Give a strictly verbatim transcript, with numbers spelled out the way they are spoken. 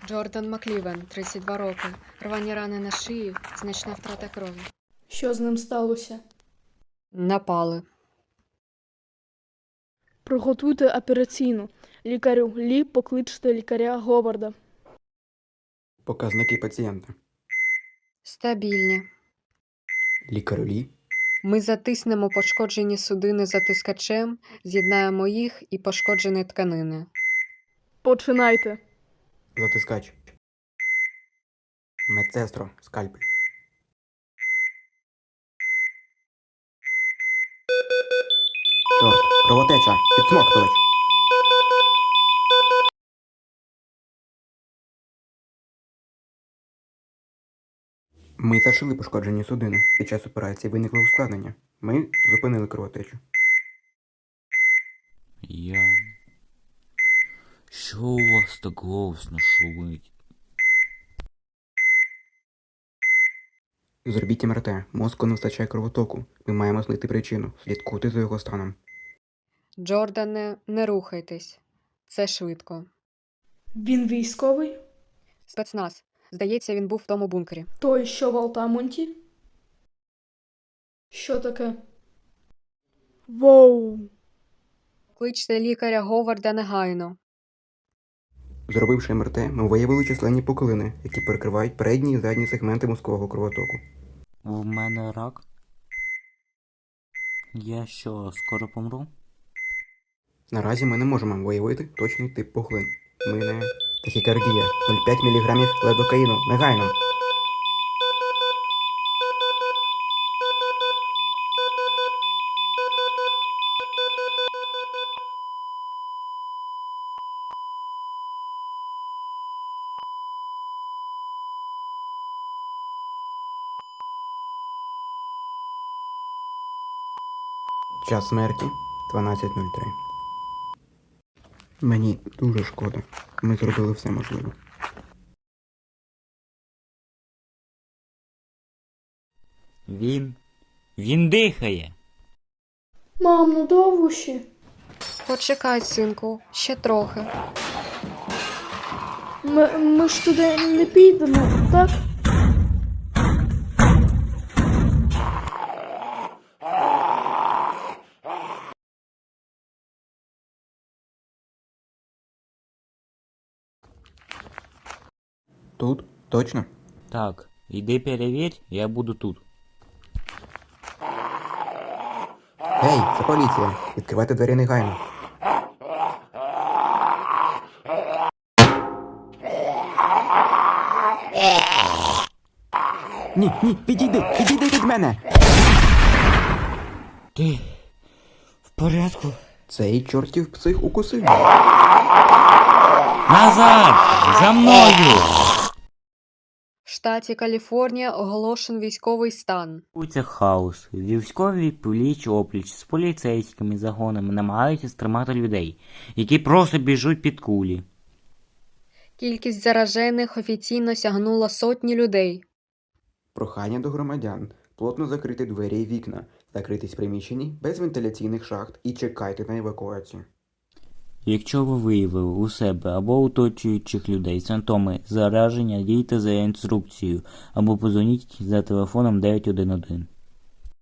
Джордан Маклівен, тридцять два роки. Рвані рани на шиї, значна втрата крові. Що з ним сталося? Напали. Приготуйте операційну. Лікарю Лі, покличте лікаря Говарда. Показники пацієнта. Стабільні. Лікарю Лі. Ми затиснемо пошкоджені судини затискачем, з'єднаємо їх і пошкоджені тканини. Починайте. Затискач. Медсестро. Скальпель. Чорт. Кровотеча. Підсмоктувач. Ми зашили пошкоджені судини. Під час операції виникли ускладнення. Ми зупинили кровотечу. Я... Що у вас так голосно шумить? Зробіть ем ер те. Мозку не вистачає кровотоку. Ми маємо знайти причину. Слідкуйте за його станом. Джордане, не рухайтесь. Це швидко. Він військовий? Спецназ. Здається, він був в тому бункері. Той, що в Алтамонті? Що таке? Воу! Кличте лікаря Говарда негайно. Зробивши ем ер те, ми виявили численні пухлини, які перекривають передні і задні сегменти мозкового кровотоку. В мене рак? Я що, скоро помру? Наразі ми не можемо виявити точний тип пухлин. Ми не... Тахікардія. нуль цілих п'ять міліграмів левдокаїну. Негайно. Час смерті дванадцять нуль три. Мені дуже шкода. Ми зробили все можливе. Він... Він дихає! Мам, ну довго ще? Почекай, синку, ще трохи. Ми, ми ж туди не підемо, так? Тут? Точно? Так, іди перевір, я буду тут. Гей, це поліція. Відкривайте двері негайно. Ні, ні, відійди, відійди від мене. Ти... в порядку? Цей чортів псих укусив. Назад! За мною! В штаті Каліфорнія оголошен військовий стан. Це хаос. Військові пліч-опліч з поліцейськими загонами намагаються стримати людей, які просто біжуть під кулі. Кількість заражених офіційно сягнула сотні людей. Прохання до громадян. Плотно закрити двері і вікна. Закритись в приміщенні без вентиляційних шахт і чекайте на евакуацію. Якщо ви виявили у себе або оточуючих людей симптоми зараження, дійте за інструкцією або подзвоніть за телефоном дев'ять один один.